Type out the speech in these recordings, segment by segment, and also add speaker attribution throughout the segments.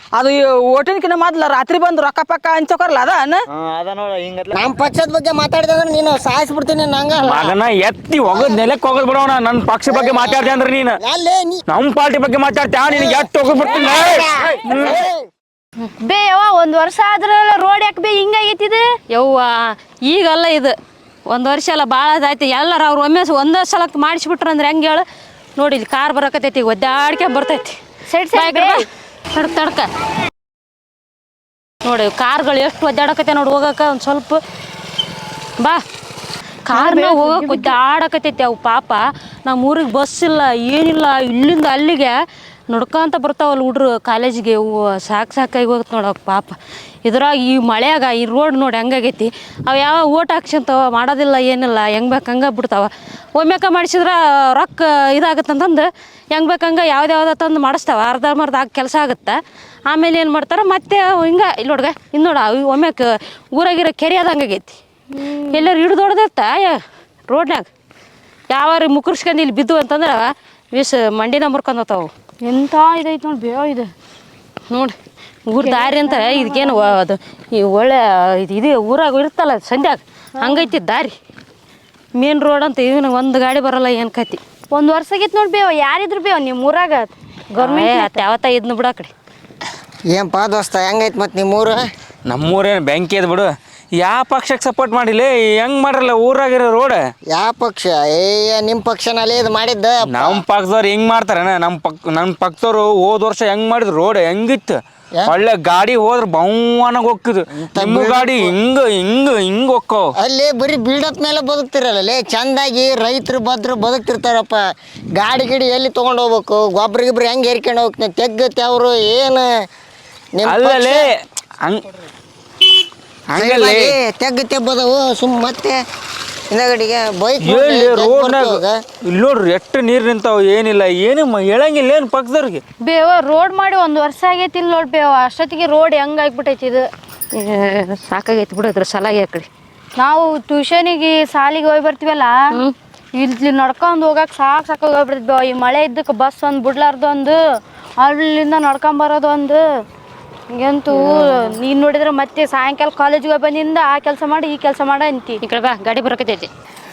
Speaker 1: ಅದು ಓಟಿನ್ಕಿನ ಮೊದ್ಲ ರಾತ್ರಿ ಬಂದು ರೊಕ್ಕ ಪಕ್ಕ ಹಂಚೋಕರ್ಲ ಅದ
Speaker 2: ನೋಡ ಹಿಂಗ
Speaker 3: ನಮ್ಮ ಪಕ್ಷದ ಬಗ್ಗೆ ಮಾತಾಡಿದ್ರೆ ನೀನು ಸಾಯಿಸ್ಬಿಡ್ತೀನಿ ನಂಗ
Speaker 2: ಮಗನ ಎತ್ತಿ ಹೋಗದ್ ನೆಲಕ್ಕೆ ಹೋಗದ್ ಬಿಡೋಣ ನನ್ನ ಪಕ್ಷ ಬಗ್ಗೆ ಮಾತಾಡ್ದೆ ಅಂದ್ರೆ ನೀನು ನಮ್ಮ ಪಾರ್ಟಿ ಬಗ್ಗೆ ಮಾತಾಡ್ತಾ ನಿನಗೆ ಎತ್ತು ಹೋಗದ್ ಬಿಡ್ತೀನಿ
Speaker 4: ಬೇ ಯವ್ವ ಒಂದು ವರ್ಷ ಆದ್ರಲ್ಲ ರೋಡ್ ಯಾಕೆ ಬೇ ಹಿಂಗಾಗೈತಿದು
Speaker 5: ಯವ್ವ ಈಗಲ್ಲ ಇದು ಒಂದು ವರ್ಷ ಎಲ್ಲ ಭಾಳ ಆಯ್ತು ಎಲ್ಲರೂ ಅವ್ರು ಒಮ್ಮೆ ಒಂದೇ ಸಲ ಮಾಡಿಸ್ಬಿಟ್ರು ಅಂದ್ರೆ ಹೆಂಗೆ ಹೇಳು ನೋಡಿ ಇಲ್ಲಿ ಕಾರ್ ಬರಕತ್ತೈತಿ ಒದ್ದಾಡ್ಕೆ ಬರ್ತೈತಿ
Speaker 4: ಸೈಡ್
Speaker 5: ತಡ್ಕ ನೋಡಿ ಕಾರ್ಗಳು ಎಷ್ಟು ಒದ್ದಾಡಕತ್ತೆ ನೋಡಿ ಹೋಗಕ್ಕೆ ಒಂದು ಸ್ವಲ್ಪ ಬಾ ಕಾರ್ನಾಗ ಹೋಗಕ್ಕೆ ಒದ್ದಾಡಕತ್ತೈತಿ ಅವು ಪಾಪ ನಮ್ಮ ಊರಿಗೆ ಬಸ್ ಇಲ್ಲ ಏನಿಲ್ಲ ಇಲ್ಲಿಂದ ಅಲ್ಲಿಗೆ ನಡ್ಕೊಂತ ಬರ್ತಾವಲ್ಲ ಹುಡ್ರು ಕಾಲೇಜಿಗೆ ಇವು ಸಾಕಾಗಿ ಹೋಗುತ್ತೆ ನೋಡಕ್ಕೆ ಪಾಪ ಇದ್ರಾಗ ಈ ಮಳೆಯಾಗ ಈ ರೋಡ್ ನೋಡಿ ಹೆಂಗಾಗೈತಿ ಅವು ಯಾವ ಓಟ್ ಹಾಕ್ಸಂತವ ಮಾಡೋದಿಲ್ಲ ಏನಿಲ್ಲ ಹೆಂಗೆ ಬೇಕು ಹಂಗೆ ಬಿಡ್ತಾವ ಒಮ್ಮೆಕ ಮಾಡಿಸಿದ್ರೆ ರೊಕ್ಕ ಇದಾಗತ್ತಂತಂದು ಹೆಂಗೆ ಬೇಕಂಗೆ ಯಾವ್ದು ತಂದು ಮಾಡಿಸ್ತಾವ ಅರ್ಧಂಬರ್ಧ ಆಗಿ ಕೆಲಸ ಆಗುತ್ತೆ ಆಮೇಲೆ ಏನು ಮಾಡ್ತಾರೆ ಮತ್ತೆ ಹಿಂಗೆ ಇಲ್ಲಿ ನೋಡ್ಗ ಇನ್ನು ನೋಡ ಒಮ್ಮೆಕ ಊರಾಗಿರೋ ಕೆರೆ ಅದಂಗಾಗೈತಿ ಎಲ್ಲರೂ ಹಿಡ್ದೊಡ್ದಿರ್ತ ರೋಡ್ನಾಗ ಯಾವಾರು ಮುಕುರ್ಸ್ಕೊಂಡು ಇಲ್ಲಿ ಬಿದ್ದು ಅಂತಂದ್ರೆ ಮಂಡಿನ ಮುರ್ಕೊಂಡು ಹೋಗ್ತಾವು
Speaker 4: ಎಂಥ ಇದೈತೆ ನೋಡಿ ಬೇವ ಇದು
Speaker 5: ನೋಡಿ ಊರ ದಾರಿ ಅಂತ ಇದಕ್ಕೇನು ಅದು ಈ ಒಳ್ಳೆ ಇದು ಊರಾಗ ಇರ್ತಲ್ಲ ಸಂಧ್ಯಾಗ ಹಂಗೈತಿ ದಾರಿ ಮೇನ್ ರೋಡ್ ಅಂತ ಇದನ್ನ ಒಂದು ಗಾಡಿ ಬರಲ್ಲ ಏನು ಕತಿ
Speaker 4: ಒಂದು ವರ್ಷ ಆಗಿತ್ತು ನೋಡಿ ಬೇವ ಯಾರಿದ್ರು ಬೇವ ನಿಮ್ಮ ಊರಾಗ
Speaker 5: ಗೌರ್ಮೆಂಟ್ ಯಾವತ್ತ ಇದನ್ನ ಬಿಡ ಕಡೆ
Speaker 3: ಏನಪ್ಪ ದೋಸ್ತ ಹೆಂಗೈತೆ ಮತ್ತು ನಿಮ್ಮೂರು
Speaker 2: ನಮ್ಮೂರೇನು ಬೆಂಕಿ ಅದ ಬಿಡು ಯಾವ ಪಕ್ಷಕ್ಕೆ ಸಪೋರ್ಟ್ ಮಾಡಿಲ್ಲ ಹೆಂಗ್ ಮಾಡ್ರಲ್ಲ ಊರಾಗಿರೋ ರೋಡ್
Speaker 3: ಯಾವ ಪಕ್ಷ ನಿಮ್ಮ ಪಕ್ಷನಲ್ಲಿ ಇದು ಮಾಡಿದ್ದ
Speaker 2: ನಮ್ಮ ಪಕ್ಷದವ್ರು ಹೆಂಗ್ ಮಾಡ್ತಾರಣ್ಣ ನಮ್ಮ ಪಕ್ಷದವ್ರು ಹೋದ ವರ್ಷ ಹೆಂಗ್ ಮಾಡಿದ್ರು ರೋಡ್ ಹೆಂಗಿತ್ತು ಒಳ್ಳೆ ಗಾಡಿ ಹೋದ್ರ ಬೌವನಾಗ ಹೋಗ್ತಿದ್ರು ನಿಮ್ಮ ಗಾಡಿ ಹಿಂಗ ಹೋಕ್ಕೋ
Speaker 3: ಅಲ್ಲಿ ಬರೀ ಬಿಲ್ಡಪ್ ಮೇಲೆ ಬದುಕ್ತಿರಲ್ಲ ಚಂದಾಗಿ ರೈತರು ಬದುಕ್ತಿರ್ತಾರಪ್ಪ ಗಾಡಿ ಗಿಡಿ ಎಲ್ಲಿ ತೊಗೊಂಡು ಹೋಗ್ಬೇಕು ಗೊಬ್ಬರ ಗಿಬ್ರ ಹೆಂಗೆ ಹೇರ್ಕೊಂಡು ಹೋಗ್ತೀನಿ ತೆಗ್ಗತ್ತೆ ಅವರು ಏನು
Speaker 2: ಅಲ್ಲೇ ಹಂಗಲ್ಲಿ
Speaker 3: ತೆಗ್ಗ ತೆಬ್ಬದವು ಮತ್ತೆ ಹಿಂದಗಡಿಗೆ ಬೈಕ್
Speaker 2: ರೋಡ್ನಾಗ ಇಲ್ಲಿ ನೋಡ್ರಿ ಎಷ್ಟು ನೀರು ನಿಂತಾವ ಏನಿಲ್ಲ ಏನು ಹೇಳಂಗಿಲ್ಲ ಏನು ಪಕ್ಕದವ್ರಿಗೆ
Speaker 4: ಬೇವ ರೋಡ್ ಮಾಡಿ ಒಂದು ವರ್ಷ ಆಗೈತಿ ಇಲ್ಲಿ ನೋಡಿ ಬೇವ ಅಷ್ಟೊತ್ತಿಗೆ ರೋಡ್ ಹೆಂಗೆ ಆಗ್ಬಿಟ್ಟೈತಿ ಇದು
Speaker 5: ಸಾಕಾಗೈತಿ ಬಿಡೋದ್ರ ಸಲಾಗಿ ಆ ಕಡೆ
Speaker 4: ನಾವು ಟ್ಯೂಷನಿಗೆ ಸಾಲಿಗೆ ಹೋಗಿ ಬರ್ತೀವಲ್ಲ ಇಲ್ಲಿ ನಡ್ಕೊಂಡು ಹೋಗಕ್ಕೆ ಸಾಕಾಗಿ ಹೋಗ್ಬಿಡ್ತೀವಿ ಬೇವ ಈ ಮಳೆ ಇದ್ದಕ್ಕೆ ಬಸ್ ಒಂದು ಬಿಡ್ಲಾರ್ದು ಒಂದು ಅಲ್ಲಿಂದ ನಡ್ಕೊಂಬರೋದು ಒಂದು ಈಗಂತೂ ನೀನು ನೋಡಿದ್ರೆ ಮತ್ತೆ ಸಾಯಂಕಾಲ ಕಾಲೇಜಿಗೆ ಬಂದಿಂದ ಆ ಕೆಲಸ ಮಾಡಿ ಈ ಕೆಲಸ ಮಾಡ ಅಂತಿ
Speaker 5: ಈ ಕಡೆ ಬಾ ಗಾಡಿ ಬರಕತ್ತೈತಿ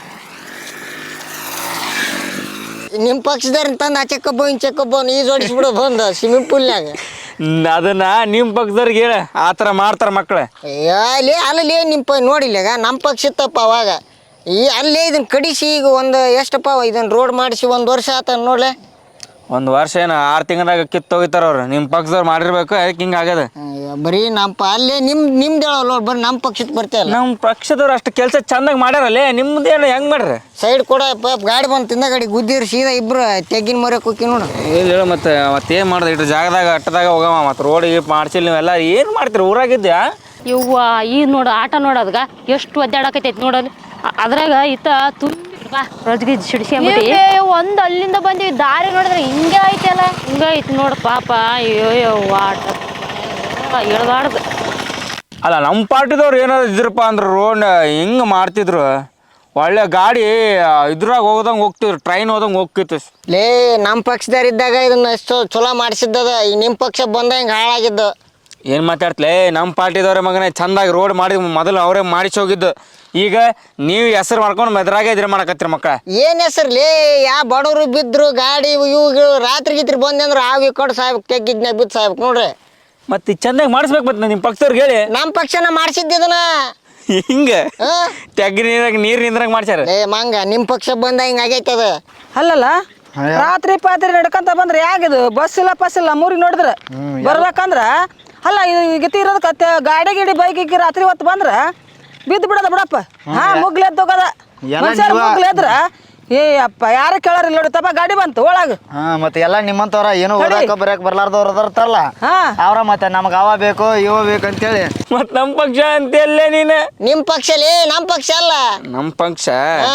Speaker 3: ನಿಮ್ಮ ಪಕ್ಷದವ್ರ ತಂದು ಆಚೆ ಕಬ್ಬ ಈ ಜೋಡಿಸ್ಬಿಡು ಬಂದು ಸ್ವಿಮ್ಮಿಂಗ್ ಪೂಲ್ನಾಗ
Speaker 2: ಅದನ್ನ ನಿಮ್ಮ ಪಕ್ಷದವ್ರಿಗೆ ಹೇಳ ಆ ಥರ ಮಾಡ್ತಾರೆ ಮಕ್ಕಳು
Speaker 3: ಅಲ್ಲೇ ನಿಮ್ಮ ನೋಡಿಲ್ಲಾಗ ನಮ್ಮ ಪಕ್ಷ ಇತ್ತಪ್ಪ ಅವಾಗ ಅಲ್ಲೇ ಇದನ್ನ ಕಡಿಸಿ ಈಗ ಒಂದು ಎಷ್ಟಪ್ಪ ಇದನ್ನ ರೋಡ್ ಮಾಡಿಸಿ ಒಂದು ವರ್ಷ ಆತ ನೋಡ್ಲೆ
Speaker 2: ಒಂದು ವರ್ಷ ಏನು 6 ತಿಂಗಳಾಗ ಕಿತ್ತೋಗಿತಾರ ಅವ್ರು ನಿಮ್ಮ ಪಕ್ಷದವ್ರು ಮಾಡಿರ್ಬೇಕು ಅದಕ್ಕೆ ಹಿಂಗೆ ಆಗ್ಯದ
Speaker 3: ಬರೀ ನಮ್ಮ ಅಲ್ಲೇ ನಿಮ್ದು ಹೇಳಲ್ಲ ಬರೀ ನಮ್ಮ ಪಕ್ಷಕ್ಕೆ ಬರ್ತೇವಲ್ಲ
Speaker 2: ನಮ್ಮ ಪಕ್ಷದವ್ರು ಅಷ್ಟು ಕೆಲಸ ಚಂದಾಗಿ ಮಾಡ್ಯಾರಲ್ಲೇ ನಿಮ್ದೇನು ಹೆಂಗೆ ಮಾಡ್ರಿ
Speaker 3: ಸೈಡ್ ಕೂಡ ಗಾಡಿ ಬಂದು ತಿಂದ ಗಾಡಿ ಗುದ್ದಿರು ಸೀದಾ ಇಬ್ರು ತೆಗಿನ ಮರಕ್ಕೆ ಹೋಗಿ ನೋಡು
Speaker 2: ಏನು ಹೇಳು ಮತ್ತೇನು ಮಾಡ್ದೆ ಇಟ್ಟು ಜಾಗದಾಗ ಅಟ್ಟದಾಗ ಹೋಗಮ್ಮ ಮತ್ತು ರೋಡಿಗೆ ಮಾಡ್ಸಿಲ್ಲ ನೀವೆಲ್ಲ ಏನು ಮಾಡ್ತೀರಿ ಊರಾಗಿದ್ಯಾ
Speaker 5: ಇವ್ವ ಈ ನೋಡು ಆಟ ನೋಡೋದ್ಗ ಎಷ್ಟು ಒದ್ದಾಡಕತ್ತೈತಿ ನೋಡಲ್ಲಿ ಅದ್ರಾಗ ಈತ ಬಾ ರಜ್ಗಿ ಸಿಡಿಸ್ಕೊಂಬಿಟ್ಟು
Speaker 4: ಒಂದು ಅಲ್ಲಿಂದ ಬಂದಿವಿ ದಾರಿ ನೋಡಿದ್ರೆ ಹಿಂಗೆ ಐತಲ್ಲ
Speaker 5: ಹಿಂಗೈತಿ ನೋಡು ಪಾಪ ಅಯ್ಯೋ ಆಟ ಹೇಳ್ಬಾರ್ದು
Speaker 2: ಅಲ್ಲ ನಮ್ಮ ಪಾರ್ಟಿದವ್ರು ಏನಾದ್ರು ಇದ್ರಪ್ಪ ಅಂದ್ರೆ ರೋಡ್ ಹಿಂಗೆ ಮಾಡ್ತಿದ್ರು ಒಳ್ಳೆ ಗಾಡಿ ಇದ್ರಾಗ ಹೋಗೋದಂಗೆ ಹೋಗ್ತಿದ್ರು ಟ್ರೈನ್ ಹೋದಂಗೆ ಹೋಗ್ತಿತ್ತು
Speaker 3: ನಮ್ಮ ಪಕ್ಷದವ್ರು ಇದ್ದಾಗ ಇದನ್ನ ಎಷ್ಟು ಚಲೋ ಮಾಡಿಸಿದ್ದದ ಈ ನಿಮ್ಮ ಪಕ್ಷ ಬಂದ ಹಿಂಗೆ ಹಾಳಾಗಿದ್ದು
Speaker 2: ಏನು ಮಾತಾಡ್ತಲೇ ನಮ್ಮ ಪಾರ್ಟಿದವ್ರೆ ಮಗನೇ ಚಂದಾಗಿ ರೋಡ್ ಮಾಡಿ ಮೊದಲು ಅವರೇ ಮಾಡಿಸಿ ಹೋಗಿದ್ದು ಈಗ ನೀವು ಹೆಸರು ಮಾಡ್ಕೊಂಡು ಮೆದ್ರಾಗೆ ಇದ್ರೆ ಮಾಡಕತ್ತೀರಿ ಮಕ್ಕಳ
Speaker 3: ಏನು ಹೆಸರ್ಲಿ ಯಾವ ಬಡವರು ಬಿದ್ದರು ಗಾಡಿ ಇವು ರಾತ್ರಿ ಗೀತ್ರಿ ಬಂದೆ ಅಂದ್ರೆ ಆವಿ ಕೊಟ್ಟು ಸಾಯ್ಬೇಕು ತೆಗ್ಗಿದ್ನಾಗ ಬಿದ್ದು ಸಾಯ್ಬೇಕು ನೋಡ್ರಿ
Speaker 2: ಮತ್ತೆ ಚಂದಾಗಿ ಮಾಡಿಸ್ಬೇಕು ಮತ್ತೆ ನಿಮ್ಮ ಪಕ್ಷದವ್ರಿಗೆ ಹೇಳಿ
Speaker 3: ನಮ್ಮ ಪಕ್ಷನ ಮಾಡಿಸಿದ್ದದನ
Speaker 2: ಹಿಂಗೆ ತೆಗ್ಗಿ ನೀರಾಗ ನೀರು ನಿಂದ್ರಾಗ ಮಾಡ್ಸ್ಯಾರ
Speaker 3: ಮಂಗ ನಿಮ್ಮ ಪಕ್ಷ ಬಂದ ಹಿಂಗೆ ಆಗೈತದ
Speaker 1: ಅಲ್ಲಲ್ಲ ರಾತ್ರಿ ಪಾತ್ರಿ ನಡ್ಕೊಂತ ಬಂದ್ರೆ ಯಾಗಿದು ಬಸ್ ಇಲ್ಲ ಪಸ್ ಇಲ್ಲ ಮೂರಿಗೆ ನೋಡಿದ್ರೆ ಬರ್ಬೇಕಂದ್ರ ಅಲ್ಲ ಗತಿ ಇರೋದಕ್ಕೆ ಗಾಡಿ ಗಿಡಿ ಬೈಕ್ ಇಕ್ಕಿ ರಾತ್ರಿ ಹೊತ್ತು ಬಂದ್ರ ಬಿದ್ದು ಬಿಡೋದ ಬಿಡಪ್ಪ ಮುಗ್ಲೆದ್ದು ಹೋಗದ ಮನುಷ್ಯರು ಮುಗ್ಲೆದ್ರ ಏ ಅಪ್ಪ ಯಾರು ಕೇಳಾರಿಲ್ಲ ನೋಡಿ ತಪ್ಪ ಗಾಡಿ ಬಂತು ಒಳಗ
Speaker 6: ಮತ್ತೆ ಎಲ್ಲ ನಿಮ್ಮಂತವ್ರ ಏನು ಓದಾಕ ಬರಕ್ ಬರ್ಲಾರ್ದವ್ರ ಅದಾರಲ್ಲ ಅವ್ರ ಮತ್ತೆ ನಮ್ಗೆ ಅವ ಬೇಕು ಇವ ಬೇಕು ಅಂತೇಳಿ
Speaker 2: ಮತ್ ನಮ್ಮ ಪಕ್ಷ ಅಂತೆಲ್ಲೇ ನೀನು
Speaker 3: ನಿಮ್ಮ ಪಕ್ಷಲಿ ನಮ್ಮ ಪಕ್ಷ ಅಲ್ಲ
Speaker 2: ನಮ್ಮ ಪಕ್ಷ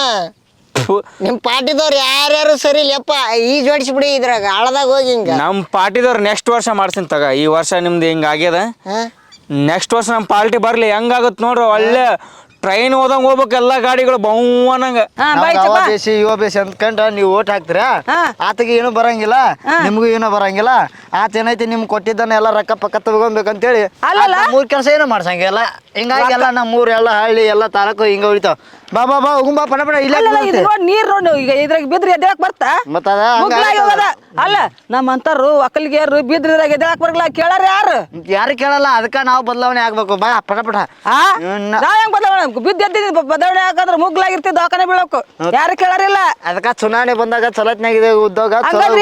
Speaker 3: ನಿಮ್ಮ ಪಾರ್ಟಿದವ್ರು ಯಾರ್ಯಾರು ಸರಿ ಇಲ್ಲಪ್ಪ ಈ ಜೋಡಿಸ್ಬಿಡಿ ಇದ್ರಾಗ ಹಳದಾಗ ಹೋಗಿ ಹಿಂಗ
Speaker 2: ನಮ್ಮ ಪಾರ್ಟಿದವ್ರು ನೆಕ್ಸ್ಟ್ ವರ್ಷ ಮಾಡ್ತೀನಿ ತಗ ಈ ವರ್ಷ ನಿಮ್ದು ಹಿಂಗೆ ಆಗ್ಯದ ನೆಕ್ಸ್ಟ್ ವರ್ಷ ನಮ್ಮ ಪಾರ್ಟಿ ಬರಲಿ ಹೆಂಗಾಗುತ್ತೆ ನೋಡ್ರಿ ಒಳ್ಳೆ ಟ್ರೈನ್ ಹೋದಂಗ ಹೋಗ್ಬೇಕು ಎಲ್ಲಾ ಗಾಡಿಗಳು ಬಹುವನಂಗ.
Speaker 6: ಅವ ಬೇಸಿ ಇವ ಬೇಸಿ ಅಂದ್ಕೊಂಡ್ರ ನೀವು ಓಟ್ ಹಾಕ್ತೀರಾ, ಆತಗೆ ಏನು ಬರಂಗಿಲ್ಲ, ನಿಮ್ಗೂ ಏನೋ ಬರಂಗಿಲ್ಲ. ಆತ ಏನೈತಿ ನಿಮ್ಗೆ ಕೊಟ್ಟಿದ್ದಾನೆ ಎಲ್ಲ ರೊಕ್ಕ ಪಕ್ಕ ತಗೊಂಬೇಕಂತೇಳಿ ಮೂರ್ ಕೆಲಸ ಏನೋ ಮಾಡ್ಸಂಗಿಲ್ಲ. ಹಿಂಗಾಗಿ ಎಲ್ಲ ನಮ್ಮ ಊರ್ ಎಲ್ಲ ಹಳ್ಳಿ ಎಲ್ಲ ತಾಲೂಕು ಹಿಂಗ ಉಳಿತಾವ. ಬಾ ಬಾ ಬಾ ಹೋಗುಂಬಾ ಪಟ ಪಟ ಇಲ್ಲ
Speaker 1: ನೀರ್ ನೋಡಿ ಈಗ ಇದ್ರಾಗ ಬಿದ್ರಿ ಎದ್ದೇಳಕ್ ಬರ್ತಾ
Speaker 6: ಮತ್ತ
Speaker 1: ಅಲ್ಲ ನಮ್ಮಂತಾರು ಒಕ್ಕಲಿಗೆಯರು ಬಿದ್ರಿದ್ರಾಗ ಎದ್ದೇಳಕ್ ಬರಲ್ಲ. ಕೇಳಾರ
Speaker 6: ಯಾರು ಕೇಳಲ್ಲ, ಅದಕ್ಕ ನಾವು ಬದಲಾವಣೆ ಆಗ್ಬೇಕು. ಬಾ ಪಟ ಪಟ
Speaker 1: ನಾವ್ ಹೆಂಗ್ ಬದಲಾವಣೆ ಬಿದ್ದು ಎದ್ದಿದ್ ಬದಲಾವಣೆ ಹಾಕಂದ್ರೆ ಮುಗ್ಲಾಗಿರ್ತಿ ದವಾಖಾನೆ ಬೀಳಬೇಕು. ಯಾರು ಕೇಳಾರಿಲ್ಲ.
Speaker 6: ಅದಕ್ಕ ಚುನಾವಣೆ ಬಂದಾಗ ಚಲತ್ನಾಗಿದೆ ಉದ್ಯೋಗ.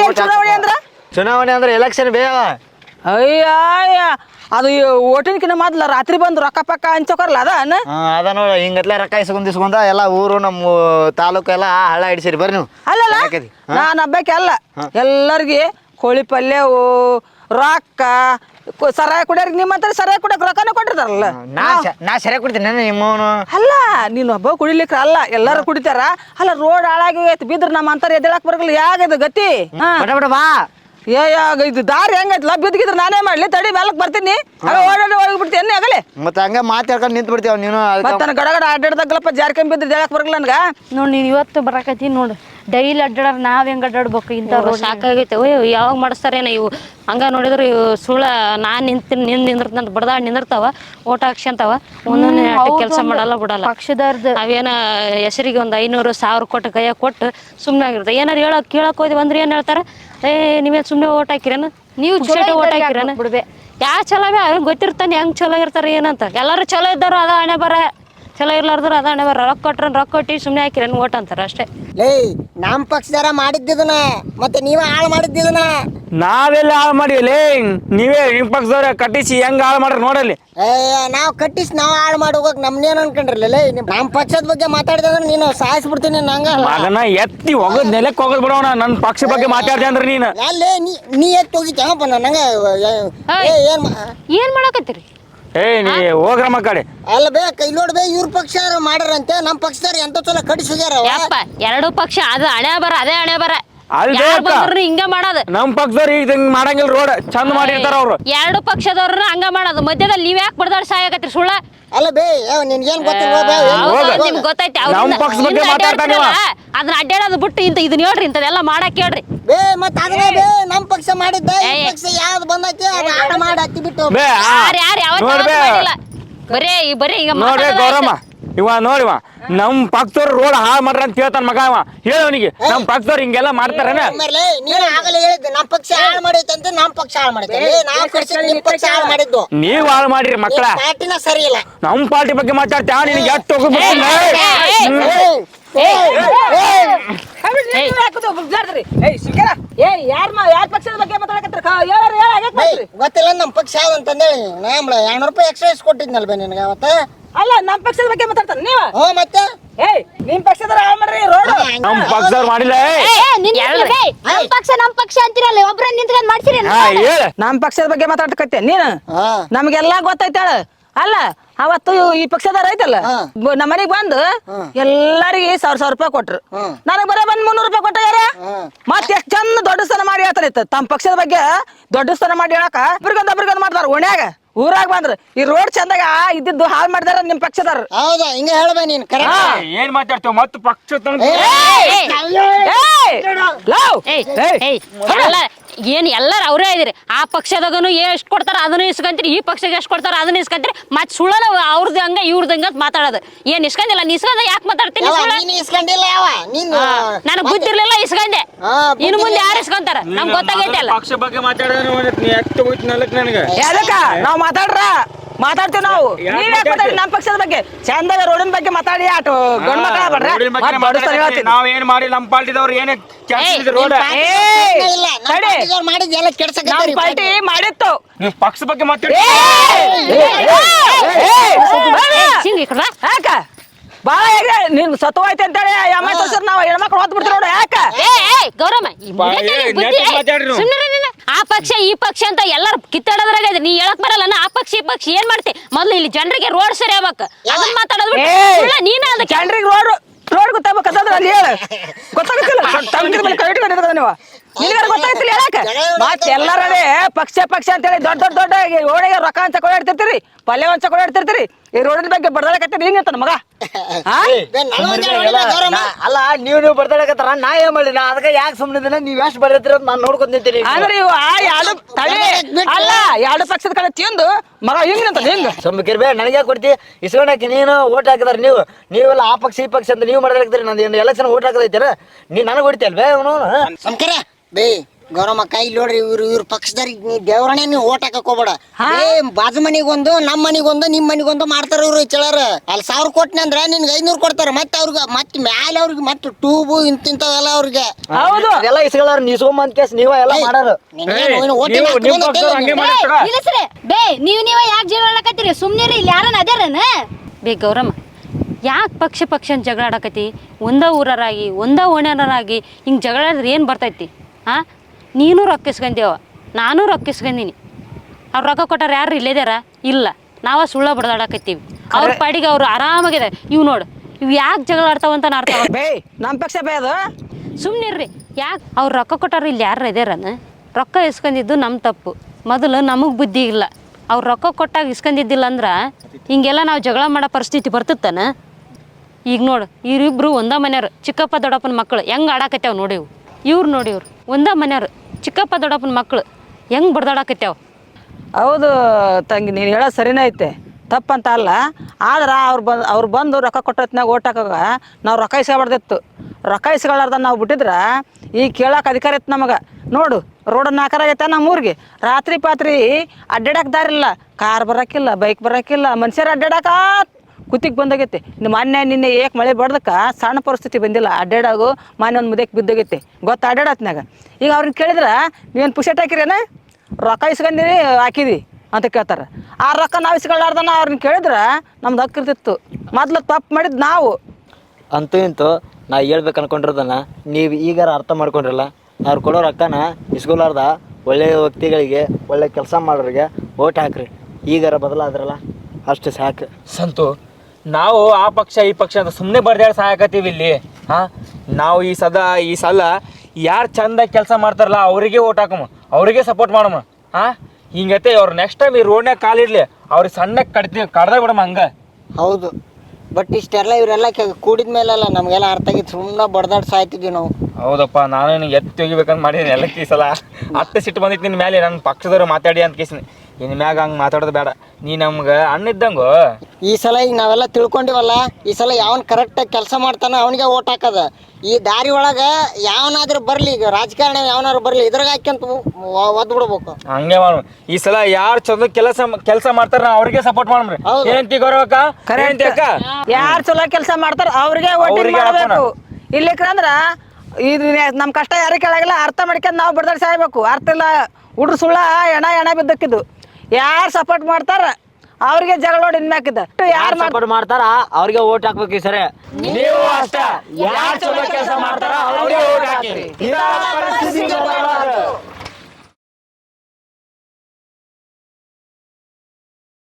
Speaker 6: ಚುನಾವಣೆ ಅಂದ್ರೆ ಎಲೆಕ್ಷನ್ ಬೇವ.
Speaker 1: ಅಯ್ಯ ಅದು ಓಟಿನ್ಕಿನ ಮೊದ್ಲ ರಾತ್ರಿ ಬಂದು ರೊಕ್ಕ ಪಕ್ಕ ಹಂಚೋಕರ್ಲ
Speaker 6: ಅದ ನೋಡಿ ಹಿಂಗತ್ಲೆ ರೊಕ್ಕ ಇಸ್ಕೊಂಡ ಎಲ್ಲ ಊರು ನಮ್ಮ ತಾಲೂಕು ಎಲ್ಲ ಹಳ್ಳ ಹಿಡಿಸಿರಿ ಬರ್ರಿ ನೀವು.
Speaker 1: ಅಲ್ಲಲ್ಲ ನಾನು ಹಬ್ಬಕ್ಕೆ ಅಲ್ಲ ಎಲ್ಲರಿಗೆ ಕೋಳಿ ಪಲ್ಯ ರೊಕ್ಕ ಸರಾಯ ಕುಡಿಯೋರಿಗೆ ನಿಮ್ಮ ಹತ್ರ ಸರಾಯ ಕುಡಿಯಕ್ಕೆ ರೊಕ್ಕನ ಕೊಟ್ಟಿರ್ತಾರಲ್ಲ.
Speaker 6: ನಾ ಸರಿಯಾಗಿ ಕುಡಿತೀನಿ ನಿಮ್ಮವನು.
Speaker 1: ಅಲ್ಲ ನೀನು ಒಬ್ಬ ಕುಡಿಲಿಕ್ಕೆ ಅಲ್ಲ ಎಲ್ಲರೂ ಕುಡಿತಾರ. ಅಲ್ಲ ರೋಡ್ ಹಾಳಾಗಿ ಬಿದ್ರ ನಮ್ಮ ಅಂತಾರ ಎದ್ದೇಳಕ್ ಬರಲ್ಲ. ಯಾಗದು ಗತಿ
Speaker 6: ಬಾ
Speaker 1: ಇದು ದಾರಿ ಹೆಂಗೈತಲ್ಲ ಬಿದ್ದಿದ್ರೆ ನಾನೇ ಮಾಡ್ಲಿ ತಡಿ ಮೇಲಕ್ ಬರ್ತೀನಿ ಓಡಾಡಿ ಹೋಗ್ಬಿಡ್ತೀನಿ ಆಗಲೇ.
Speaker 6: ಮತ್ತೆ ಹಂಗ ಮಾತಾಡ್ಕೊಂಡು ನಿಂತು ಬಿಡ್ತೀವ ನೀನು.
Speaker 1: ಮತ್ತೆ ಗಡಗಡ ಅಡ್ಡಾಡ್ದಾಗಲಪ್ಪ ಜಾರ್ಕೊಂಡ್ ಬಿದ್ರೆ ಹೇಳಕ್ ಬರಲ್ಲ ನನ್ಗ.
Speaker 4: ನೋಡಿ ನೀನು ಇವತ್ತು ಬರಾಕತ್ತಿ ನೋಡು ಡೈಲಿ ಅಡ್ಡಾಡ ನಾವ್ ಹೆಂಗ್ ಅಡ್ಡಾಡ್ಬೇಕು ಇಂಥ
Speaker 5: ಸಾಕಾಗೈತೆ. ಓಯ್ ಯಾವಾಗ ಮಾಡಿಸ್ತಾರೇನ ಇವು? ಹಂಗ ನೋಡಿದ್ರೆ ಇವು ಸುಳ್ಳ ನಾನ್ ನಿಂದಿರ್ತಂತ ಬಡ್ದಾಡ್ ನಿಂದಿರ್ತಾವ, ಓಟ್ ಹಾಕ್ಸಂತಾವ, ಒಂದೊಂದು ಕೆಲಸ ಮಾಡಲ್ಲ ಬಿಡಲ್ಲ.
Speaker 4: ಪಕ್ಷದಾರ್ದ
Speaker 5: ಅವೇನ ಹೆಸರಿಗೆ ಒಂದು 500,000 ಕೊಟ್ಟು ಕೈಯಾಗ ಕೊಟ್ಟು ಸುಮ್ಮನೆ ಆಗಿರ್ತಾವ. ಏನಾರು ಕೇಳಕ್ ಹೋದ್ವಿ ಅಂದ್ರೆ ಏನ್ ಹೇಳ್ತಾರ? ನೀವೇನ್ ಸುಮ್ಮನೆ ಓಟ್ ಹಾಕಿರೇನ, ನೀವು ಚಲೋ ಓಟ್ ಹಾಕಿರೇನ ಬಿಡ್ಬೆ. ಯಾ ಚಲೋ ಅವ್ರಿಗೆ ಗೊತ್ತಿರ್ತಾನೆ ಹೆಂಗ್ ಚಲೋ ಇರ್ತಾರ ಏನಂತ. ಎಲ್ಲಾರು ಚಲೋ ಇದ್ದಾರು ಅದ ಹಣೆ ಬರ, ಚಲೋ ಇರ್ಲಾರ್ದ್ರು ಅದ ಹಣೆ ಬರ. ರೊಕ್ಕ ಕೊಟ್ರ ರೊಕ್ಕ ಕೊಟ್ಟು ಸುಮ್ಮನೆ ಹಾಕಿರೇನು ಓಟ್ ಅಂತಾರ ಅಷ್ಟೇ.
Speaker 3: ಲೇ ನಮ್ಮ ಪಕ್ಷದಾರ ಮಾಡಿದ್ದಿದನ ಮತ್ತೆ ನೀವ ಹಾಳು ಮಾಡಿದ್ದಿದನ.
Speaker 2: ನಾವೆಲ್ಲ ಹಾಳು ಮಾಡಿವಲೇ, ನೀವೇ ನಿಮ್ ಪಕ್ಷದವ್ರ ಕಟ್ಟಿಸಿ ಹೆಂಗ್ ಹಾಳು ಮಾಡ್ರಿ ನೋಡಲ್ಲಿ.
Speaker 3: ನಾವು ಕಟ್ಟಿಸಿ ನಾವು ಹಾಳು ಮಾಡಿ ಹೋಗಕ್ ನಮ್ನೇನ್ ಅನ್ಕೊಂಡ್ರಲ್ಲ. ನಮ್ಮ ಪಕ್ಷದ ಬಗ್ಗೆ ಮಾತಾಡಿದ್ರೆ ನೀನು ಸಾಯಿಸ್ಬಿಡ್ತೀನಿ ನಂಗ.
Speaker 2: ಅದನ್ನ ಎತ್ತಿ ಹೋಗದ್ ನೆಲಕ್ಕೆ ಹೋಗದ್ ಬಿಡೋಣ. ನನ್ನ ಪಕ್ಷ ಬಗ್ಗೆ ಮಾತಾಡ್ದೆ ಅಂದ್ರೆ ನೀನು
Speaker 3: ಅಲ್ಲೇ ನೀ ಎತ್ತಿ ಹೋಗಿತ್ತಪ್ಪ ನಂಗ.
Speaker 5: ಏನ್ ಮಾಡಕತ್ತೀರಿ?
Speaker 2: ನೀ ಹೋಗ್ರಮ್ಮ ಕಡೆ.
Speaker 3: ಅಲ್ಲ ಇಲ್ಲಿ ನೋಡ್ಬೇ ಇವ್ರ ಪಕ್ಷ ಮಾಡ್ರಂತೆ, ನಮ್ಮ ಪಕ್ಷದಾರ ಎಂತ ಚಲೋ ಕಡಿಸಿ ಹೋಗ್ಯಾರ.
Speaker 5: ಎರಡು ಪಕ್ಷ ಅದು ಹಣೆ ಬರ, ಅದೇ ಹಣೆ ಬರ. ಹಿಂಗ ಮಾಡೋದು
Speaker 2: ನಮ್ ಪಕ್ಷದವ್ರು ಈಗ ಹಿಂಗ್ ಮಾಡಂಗಿಲ್ಲ. ರೋಡ್ ಚಂದ ಮಾಡಿರ್ತಾರ ಅವ್ರು.
Speaker 5: ಎರಡು ಪಕ್ಷದವ್ರನ್ನ ಹಂಗ ಮಾಡೋದು. ಮಧ್ಯದಲ್ಲಿ ನೀವ್ ಯಾಕೆ ಬಡ್ದಾಡ್ ಸಾಯಕತ್ರಿ ಸುಳ್ಳ?
Speaker 3: ಅಲ್ಲ ಬೇ ನಿನ್ಗೇನ್ ಗೊತ್ತಿಲ್ಲ.
Speaker 5: ನಿಮ್ಗೆ ಗೊತ್ತೈತಿ
Speaker 2: ನಮ್ ಪಕ್ಷ ಬಗ್ಗೆ ಮಾತಾಡ್ತಾನೆ
Speaker 5: ಅದನ್ನ ಅಡ್ಡಾಡೋದು ಬಿಟ್ಟು ಇದನ್ನ ಹೇಳ್ರಿ, ಇಂಥದೆಲ್ಲ ಮಾಡಕ್ ಹೇಳ್ರಿ.
Speaker 3: ಬೇ ಮತ್ತ ಅದನ್ನ ಬೇ ನಮ್ ಪಕ್ಷ ಮಾಡಿದ್ದ ಪಕ್ಷ ಯಾವ್ದು ಬಂದೈತಿ ಅದು ಆಟ ಮಾಡಿ ಹತ್ತಿ ಬಿಟ್ಟು
Speaker 5: ಯಾರು ಯಾವತ್ತಿಲ್ಲ. ಬರೀ ಈಗ
Speaker 2: ನೋಡ್ರಿ ಗೌರಮ್ಮ, ಇವ ನೋಡಿವ ನಮ್ ಪಕ್ಷದವ್ರು ರೋಡ್ ಹಾಳು ಮಾಡ್ರ ಅಂತ ಹೇಳ್ತಾನ ಮಗ. ಇವ ಹೇಳವನಿಗೆ ನಮ್ ಪಕ್ಷದವ್ರು ಹಿಂಗೆಲ್ಲ ಮಾಡ್ತಾರೇನ?
Speaker 3: ನೀನು ಆಗಲೇ ಹೇಳಿದ್ದೆ ನಮ್ ಪಕ್ಷ ಹಾಳು ಮಾಡೈತೆ ಅಂತ. ನಮ್ ಪಕ್ಷ ಹಾಳು ಮಾಡೈತೆ, ನಾವ್ ಕಡ್ಸಿ ನಿಮ್ ಪಕ್ಷ ಹಾಳು ಮಾಡಿದ್ದು.
Speaker 2: ನೀವ್ ಹಾಳು ಮಾಡಿರಿ ಮಕ್ಕಳ.
Speaker 3: ಪಾರ್ಟಿನ ಸರಿ ಇಲ್ಲ.
Speaker 2: ನಮ್ ಪಾರ್ಟಿ ಬಗ್ಗೆ ಮಾತಾಡ್ತಾ ನಿನಗೆ ಎಷ್ಟು ಹೋಗ್ಬೇಕು.
Speaker 1: ಯಾರ ಪಕ್ಷದ ಬಗ್ಗೆ
Speaker 3: ಗೊತ್ತಿಲ್ಲ ನಮ್ ಪಕ್ಷ ಯಾವ್ದು ಅಂತಂದೇಳಿ. 200 ರೂಪಾಯಿ ಎಕ್ಸ್ಟ್ರಾ ಕೊಟ್ಟಿದ್ನಲ್ ಬೇ ನಿನಗೆ ಅವತ್ತ.
Speaker 1: ಅಲ್ಲ ನಮ್ ಪಕ್ಷದ ಬಗ್ಗೆ ಮಾತಾಡ್ತಾರ ನೀವು.
Speaker 3: ಮತ್ತೆ
Speaker 1: ನಿಮ್ ಪಕ್ಷದ ಮಾಡ್ರಿ ರೋಡ್.
Speaker 2: ನಮ್ ಪಕ್ಷದವ್ರು ಮಾಡಿಲ್ಲ.
Speaker 4: ನಮ್ ಪಕ್ಷ ಅಂತಿರಲ್ಲ, ಒಬ್ರ ನಿಂತ್ಕೊಂಡ್ ಮಾಡ್ತೀರಿ.
Speaker 1: ನಮ್ ಪಕ್ಷದ ಬಗ್ಗೆ ಮಾತಾಡ್ಕತ್ತೆ ನೀನು. ನಮ್ಗೆಲ್ಲಾ ಗೊತ್ತೈತಾಳ. ಅಲ್ಲ ಅವತ್ತು ಈ ಪಕ್ಷದಾರ ಐತಲ್ಲ ನಮ್ಮ ಮನೆಗ್ ಬಂದು ಎಲ್ಲಾರಿಗೆ 1,000 ರೂಪಾಯಿ ಕೊಟ್ರು. ನನಗ್ ಬರೀ ಬಂದ್ 300 ರೂಪಾಯಿ ಕೊಟ್ಟಾರ. ಮತ್ತೆ ಎಷ್ಟ್ ಚಂದ ದೊಡ್ಡ ಸ್ಥಾನ ಮಾಡಿ ಹೇಳ್ತಾರ. ತಮ್ಮ ಪಕ್ಷದ ಬಗ್ಗೆ ದೊಡ್ಡ ಸ್ಥಾನ ಮಾಡಿ ಹೇಳಕ ಒಬ್ರಿಗೊಂದ್ ಮಾಡ್ತಾರ. ಓಣ್ಯಾಗ ಊರಾಗ ಬಂದ್ರ ಈ ರೋಡ್ ಚಂದಾಗ ಇದ್ದಿದ್ದು ಹಾಳು ಮಾಡಿದಾರ ನಿಮ್ ಪಕ್ಷದಾರ.
Speaker 3: ಹೌದಾ ಹಿಂಗ ಹೇಳ್ಬೇ ನೀನ್.
Speaker 2: ಏನ್ ಮಾತಾಡ್ತೇವ ಮತ್ತ ಪಕ್ಷ
Speaker 5: ಏನ್ ಎಲ್ಲಾರು ಅವರೇ ಇದೀರಿ. ಆ ಪಕ್ಷದಾಗನು ಎಷ್ಟ್ ಕೊಡ್ತಾರ ಅದನ್ನು ಇಸ್ಕೊಂತೀರಿ, ಈ ಪಕ್ಷಕ್ಕೆ ಎಷ್ಟ್ ಕೊಡ್ತಾರ ಅದನ್ನ ಇಸ್ಕೊಂತೀರಿ. ಮತ್ ಸುಳ್ಳನ ಅವ್ರದ್ದು ಹಂಗ ಇವ್ರದ್ದು ಹಂಗ ಮಾತಾಡೋದು. ಏನ್ ಇಸ್ಕೊಂಡಿಲ್ಲ? ನೀ ಇಸ್ಕೊಂಡ ಯಾಕೆ ಮಾತಾಡ್ತೀನಿ? ನನಗ್ ಗೊತ್ತಿರ್ಲಿಲ್ಲ, ಇಸ್ಕೊಂಡೆ. ಇನ್ನು ಮುಂದೆ ಯಾರು ಇಸ್ಕೊಂತಾರ ನಮ್ಗೆ ಗೊತ್ತಾಗೈತೆ ಅಲ್ಲ.
Speaker 2: ಪಕ್ಷ ಬಗ್ಗೆ ಮಾತಾಡೋದು
Speaker 1: ನಾವ್ ಮಾತಾಡ್ತೀವಿ ನಾವು. ನಮ್ ಪಕ್ಷದ ಬಗ್ಗೆ ಚಂದಾಗ ರೋಡಿನ ಬಗ್ಗೆ ಮಾತಾಡಿ ಆಟು ಗಂಡ್ ಮಕ್ಕಳ
Speaker 2: ನಾವ್ ಏನ್ ಮಾಡಿ ನಮ್ ಪಾರ್ಟಿದವ್ರು ಏನೇ ರೋಡ್
Speaker 1: ಪಾರ್ಟಿ ಮಾಡಿತ್ತು.
Speaker 2: ನೀವ್ ಪಕ್ಷ ಬಗ್ಗೆ ಮಾತಾಡಿ
Speaker 1: ಯಾಕ ಬಾಳ ನೀನ್ ಸತ್ವಾಯ್ತು ಅಂತೇಳಿ ನಾವು ಹೆಣ್ಮಕ್ಳು ಹೊತ್ತು ಬಿಡ್ತೀವಿ ನೋಡು. ಯಾಕ
Speaker 5: ಗೌರಮ್ಮ ಆ ಪಕ್ಷ ಈ ಪಕ್ಷ ಅಂತ ಎಲ್ಲಾರು ಕಿತ್ತಾಡೋದ್ರಾಗ ಇದೆ. ನೀ ಹೇಳಕ್ ಬರಲ್ಲ. ಆ ಪಕ್ಷ ಈ ಪಕ್ಷ ಏನ್ ಮಾಡ್ತಿ? ಮೊದ್ಲು ಇಲ್ಲಿ ಜನರಿಗೆ ರೋಡ್ ಸರಿ ಆಗ್ಬೇಕು, ಅದನ್ನ ಮಾತಾಡೋದು ನೀನ.
Speaker 1: ಜನರಿಗೆ ರೋಡ್ ಗೊತ್ತಾಗ್ಬೇಕಂತಂದ್ರೆ ಅಲ್ಲಿ ಹೇಳ ಗೊತ್ತಾಗತ್ತಿಲ್ಲ. ನೀವು ನಿನಗಾರ ಗೊತ್ತಾಗ್ತಿಲ್ಲ ಹೇಳಕ ಮತ್ ಎಲ್ಲಾರೇ ಪಕ್ಷ ಅಂತೇಳಿ ದೊಡ್ಡ ಓಣಿಗೆ ರೊಕ್ಕ ಅಂತ ಕೊಡಾಡ್ತಿರ್ತೀರಿ ಪಲ್ಯ ಅಂತ ಕೊಡಾಡ್ತಿರ್ತೀರಿ ಈ ರೋಡಿನ ಬಗ್ಗೆ ಬಡದಾಡಕತ್ತೀರಿ ಹಿಂಗಂತ ಮಗ
Speaker 6: ಅಲ್ಲ ನೀವು ಬರ್ತಾಡಕತ್ತಾರ ನಾ ಏನ್ ಮಾಡಿ ನಾ ಅದಕ್ಕೆ ಯಾಕೆ ಸುಮ್ಮನೆ ನೀವ್ ಎಷ್ಟು ಬರ್ದಿರ ನಾನು ನೋಡ್ಕೊಂಡ್ ನಿಂತೀನಿ
Speaker 1: ಅಂದ್ರೆ ಇವು ಎರಡು ತಳಿ ಅಲ್ಲ ಎರಡು ಪಕ್ಷದ ಕಡೆ ತಿಂದು ಮಗ ಹಿಂಗಂತ ಹಿಂಗ
Speaker 6: ಸುಮ್ಕಿರ್ಬೇ ನನಗೆ ಕೊಡ್ತಿ ಇಸ್ಕೊಂಡಾಕಿ ನೀನು ಓಟ್ ಹಾಕಿದಾರ ನೀವೆಲ್ಲ ಆ ಪಕ್ಷ ಈ ಪಕ್ಷ ಅಂತ ನೀವು ಮಾಡ್ದಾಕ್ತೀರಿ ನಂದು ಎಲೆಕ್ಷನ್ ಓಟ್ ಹಾಕದೈತಾರ ನೀ ನನಗೆ ಹೊಡಿತಲ್ವೇ ಅವನು
Speaker 3: ಸಂಕರ ಬೇ ಗೌರಮ್ಮ ಕೈ ನೋಡ್ರಿ ಇವ್ರ ಪಕ್ಷದವ್ರಿಗೆ ನೀ ದೇವ್ರನೇ ನೀವು ಓಟ್ ಹಾಕಕ್ ಹೋಗ್ಬೇಡ ಏ ಬಾಜು ಮನಿಗೊಂದು ನಮ್ಮ ಮನಿಗೊಂದು ನಿಮ್ ಮನಿಗೊಂದು ಮಾಡ್ತಾರ ಇವ್ರು ಚಳಾರ ಅಲ್ಲಿ 1000 ಕೊಟ್ನಿ ಅಂದ್ರ ನಿನ್ಗೆ 500 ಕೊಡ್ತಾರ ಮತ್ತೆ ಅವ್ರಿಗೆ ಮತ್ತೆ ಮ್ಯಾಲೆ ಅವ್ರಿಗೆ ಮತ್ತೆ ಟ್ಯೂಬು ಇಂತಿಂತವೆಲ್ಲ ಅವ್ರಿಗೆ
Speaker 6: ಹೌದು ಎಲ್ಲ ಇಸ್ಕೊಳ್ಳಾರ ನೀ ಸೋಮಂತ ಕೇಸ್ ನೀವ ಎಲ್ಲ ಮಾಡಾರು
Speaker 4: ನಿಲ್ಲಿಸ್ರಿ ಬೇ ನೀವ ಯಾಕೆ ಜಗಳ ಆಡಕತ್ತೀರಿ ಸುಮ್ನಿರಿ ಇಲ್ಲಿ ಯಾರನ್ನ ಅದೇರನ
Speaker 5: ಬೇ ಗೌರಮ್ಮ ಯಾಕೆ ಪಕ್ಷ ಅಂತ ಜಗಳ ಆಡಕತಿ ಒಂದ ಊರರಾಗಿ ಒಂದ ಓಣ್ಯರಾಗಿ ಹಿಂಗೆ ಜಗಳ ಆಡಿದ್ರೆ ಏನು ಬರ್ತೈತಿ ಹಾಂ ನೀನು ರೊಕ್ಕ ಇಸ್ಕೊಂಡೇವ ನಾನು ರೊಕ್ಕ ಇಸ್ಕೊಂಡೀನಿ ಅವ್ರು ರೊಕ್ಕ ಕೊಟ್ಟಾರ ಯಾರು ಇಲ್ಲೇದಾರ ಇಲ್ಲ ನಾವ ಸುಳ್ಳ ಬಡ್ದಾಡಕತ್ತೀವಿ ಅವ್ರ ಪಾಡಿಗೆ ಅವ್ರು ಆರಾಮಾಗಿದೆ ಇವು ನೋಡು ಇವು ಯಾಕೆ ಜಗಳ ಆಡ್ತಾವಂತ ನಾ ಅರ್ಥ
Speaker 1: ಬೇ ನಮ್ಮ ಪಕ್ಷ ಬೇ ಅದು
Speaker 5: ಸುಮ್ಮನಿರ್ರಿ ಯಾಕೆ ಅವ್ರು ರೊಕ್ಕ ಕೊಟ್ಟಾರ ಇಲ್ಲಿ ಯಾರು ಇದಾರನ ರೊಕ್ಕ ಇಸ್ಕೊಂಡಿದ್ದು ನಮ್ಮ ತಪ್ಪು ಮೊದಲು ನಮಗೆ ಬುದ್ಧಿ ಇಲ್ಲ ಅವ್ರು ರೊಕ್ಕ ಕೊಟ್ಟಾಗ ಇಸ್ಕೊಂಡಿದ್ದಿಲ್ಲ ಅಂದ್ರೆ ಹಿಂಗೆಲ್ಲ ನಾವು ಜಗಳ ಮಾಡೋ ಪರಿಸ್ಥಿತಿ ಬರ್ತಿತ್ತಾನ ಈಗ ನೋಡು ಇವರಿಬ್ರು ಒಂದ ಮನೆಯವ್ರು ಚಿಕ್ಕಪ್ಪ ದೊಡ್ಡಪ್ಪನ ಮಕ್ಕಳು ಹೆಂಗೆ ಆಡಾಕತ್ಯಾವ ನೋಡಿ ಇವ್ರು ನೋಡಿ ಇವ್ರು ಒಂದ ಮನೆಯವ್ರು ಚಿಕ್ಕಪ್ಪ ದೊಡ್ಡಪ್ಪನ ಮಕ್ಕಳು ಹೆಂಗೆ ಬಡ್ದಾಡಕತ್ಯಾವ
Speaker 1: ಹೌದು ತಂಗಿ ನೀನು ಹೇಳೋದು ಸರಿನೇ ಐತೆ ತಪ್ಪಂತ ಅಲ್ಲ ಆದ್ರೆ ಅವ್ರು ಬಂದು ರೊಕ್ಕ ಕೊಟ್ಟತ್ನಾಗ ಓಟ್ ಹಾಕಾಗ ನಾವು ರೊಕ್ಕ ಇಸ್ಕೊಬಾರ್ದಿತ್ತು ರೊಕ್ಕ ಇಸ್ಕೊಳ್ಳಾರ್ದ ನಾವು ಬಿಟ್ಟಿದ್ರೆ ಈಗ ಕೇಳಕ್ಕೆ ಅಧಿಕಾರ ಇತ್ತು ನಮಗೆ ನೋಡು ರೋಡನ್ನ ಆಕಾರಾಗೈತೆ ನಮ್ಮ ಊರಿಗೆ ರಾತ್ರಿ ಪಾತ್ರಿ ಅಡ್ಡಾಡಕ್ಕೆ ದಾರಿಲ್ಲ ಕಾರ್ ಬರೋಕ್ಕಿಲ್ಲ ಬೈಕ್ ಬರೋಕ್ಕಿಲ್ಲ ಮನುಷ್ಯರು ಅಡ್ಡಾಡಕ ಕುತ್ತಿಗೆ ಬಂದೋಗೈತೆ ನಿನ್ನೆ ಏಕೆ ಮಳೆ ಬಡ್ದಕ್ಕೆ ಸಣ್ಣ ಪರಿಸ್ಥಿತಿ ಬಂದಿಲ್ಲ ಅಡ್ಡಾಡೋಗು ಮೊನ್ನೆ ಒಂದು ಮುದಕ್ಕೆ ಬಿದ್ದೋಗೈತೆ ಗೊತ್ತು ಅಡ್ಡಾಡತ್ನಾಗ ಈಗ ಅವ್ರನ್ನ ಕೇಳಿದ್ರೆ ನೀವೇನು ಪುಷಟ್ ಹಾಕಿರೇನ ರೊಕ್ಕ ಇಸ್ಕೊಂಡಿರಿ ಹಾಕಿದಿ ಅಂತ ಕೇಳ್ತಾರೆ ಆ ರೊಕ್ಕ ನಾವು ಇಸ್ಕೊಳ್ಳಾರ್ದನ ಅವ್ರನ್ನ ಕೇಳಿದ್ರೆ ನಮ್ದು ಹಕ್ಕಿರ್ತಿತ್ತು ಮೊದ್ಲು ತಪ್ಪು ಮಾಡಿದ್ದು ನಾವು
Speaker 6: ಅಂತೂ ಇಂತೂ ನಾ ಹೇಳ್ಬೇಕು ಅನ್ಕೊಂಡಿರೋದನ್ನ ನೀವು ಈಗಾರ ಅರ್ಥ ಮಾಡ್ಕೊಂಡ್ರಲ್ಲ ಅವ್ರು ಕೊಡೋ ರೊಕ್ಕನ ಇಸ್ಕೊಲಾರ್ದ ಒಳ್ಳೆಯ ವ್ಯಕ್ತಿಗಳಿಗೆ ಒಳ್ಳೆ ಕೆಲಸ ಮಾಡೋರಿಗೆ ಓಟ್ ಹಾಕ್ರಿ ಈಗಾರ ಬದಲಾದ್ರಲ್ಲ ಅಷ್ಟು ಸಾಕು
Speaker 2: ಸಂತು ನಾವು ಆ ಪಕ್ಷ ಈ ಪಕ್ಷ ಅಂತ ಸುಮ್ಮನೆ ಬರ್ದಾಡಿ ಸಾಕತ್ತೀವಿ ಇಲ್ಲಿ ಹಾಂ ನಾವು ಈ ಸಲ ಯಾರು ಚಂದಾಗಿ ಕೆಲಸ ಮಾಡ್ತಾರಲ್ಲ ಅವರಿಗೆ ಓಟ್ ಹಾಕಮ್ಮ ಅವರಿಗೆ ಸಪೋರ್ಟ್ ಮಾಡಮ್ಮ ಹಾಂ ಹಿಂಗೈತೆ ಅವ್ರು ನೆಕ್ಸ್ಟ್ ಟೈಮ್ ಈ ರೋಡ್ನಾಗ ಕಾಲಿಡ್ಲಿ ಅವ್ರಿಗೆ ಸಣ್ಣಕ್ಕೆ ಕಡ್ದಾಗ ಬಿಡಮ್ಮ ಹಂಗೆ
Speaker 3: ಹೌದು ಬಟ್ ಇಷ್ಟೆಲ್ಲ ಇವರೆಲ್ಲ ಕೂಡಿದ ಮೇಲೆಲ್ಲ ನಮಗೆಲ್ಲ ಅರ್ಥ ಆಗಿತ್ತು ಸುಮ್ಮನೆ ಬಡ್ದಾಡ್ ಸಾಯ್ತಿದ್ವಿ ನಾವು
Speaker 2: ಹೌದಪ್ಪ ನಾನು ಎತ್ತಿ ಹೋಗಿಬೇಕಂತ ಮಾಡೀನಿ ಎಲ್ಲ ಈ ಸಲ ಅತ್ತೆ ಸಿಟ್ಟು ಬಂದಿತ್ತು ನಿನ್ನ ಮೇಲೆ ನನ್ನ ಪಕ್ಷದವ್ರು ಮಾತಾಡಿ ಅಂತ ಕೇಸಿನಿ ಇನ್ನು ಮ್ಯಾಗ ಹಂಗೆ ಮಾತಾಡೋದು ಬೇಡ ನೀ ನಮ್ಗೆ ಅಣ್ಣಿದ್ದಂಗು
Speaker 3: ಈ ಸಲ ಈಗ ನಾವೆಲ್ಲ ತಿಳ್ಕೊಂಡಿವಲ್ಲ ಈ ಸಲ ಯಾವನ್ ಕರೆಕ್ಟಾಗಿ ಕೆಲಸ ಮಾಡ್ತಾನ ಅವನಿಗೆ ಓಟ್ ಹಾಕದ ಈ ದಾರಿ ಒಳಗೆ ಯಾವನಾದ್ರೂ ಬರಲಿ ಈಗ ರಾಜಕಾರಣ ಯಾವನಾದ್ರು ಬರಲಿ ಇದ್ರಾಗ ಹಾಕ್ಯಂತ ಒದ್ದು ಬಿಡ್ಬೇಕು
Speaker 2: ಹಂಗೆ ಮಾಡು ಈ ಸಲ ಯಾರು ಚಲೋ ಕೆಲಸ ಮಾಡ್ತಾರ ಅವ್ರಿಗೆ ಸಪೋರ್ಟ್ ಮಾಡ್ರಿ ಏನಂತಿ ಗೌರವಕ್ಕ ಕರೆಂಟ್ ಅಕ್ಕ
Speaker 1: ಯಾರು ಚಲೋ ಕೆಲಸ ಮಾಡ್ತಾರ ಅವ್ರಿಗೆ ಓಟಿಂಗ್ ಮಾಡಬೇಕು ಇಲ್ಲಿಕ್ರಂದ್ರ ಇದು ನಮ್ಮ ಕಷ್ಟ ಯಾರಿಗೆ ಕೇಳಾಗಿಲ್ಲ ಅರ್ಥ ಮಾಡ್ಕೊಂಡು ನಾವು ಬಿಡ್ದಾಡಿ ಸಾಯ್ಬೇಕು ಅರ್ಥ ಇಲ್ಲ ಹುಡ್ರು ಸುಳ್ಳ ಎಣ ಬಿದ್ದಕ್ಕಿದ್ದು ಯಾರು ಸಪೋರ್ಟ್ ಮಾಡ್ತಾರ ಅವ್ರಿಗೆ ಜಗಳ ನೋಡಿ ಇನ್ಮ್ಯಾಕಿದ್ದ
Speaker 6: ಯಾರು ಸಪೋರ್ಟ್ ಮಾಡ್ತಾರ ಅವ್ರಿಗೆ ಓಟ್ ಹಾಕ್ಬೇಕು ಈ ಸರಿ
Speaker 2: ನೀವು ಅಷ್ಟೇ ಯಾರು ಚಲೋ ಕೆಲಸ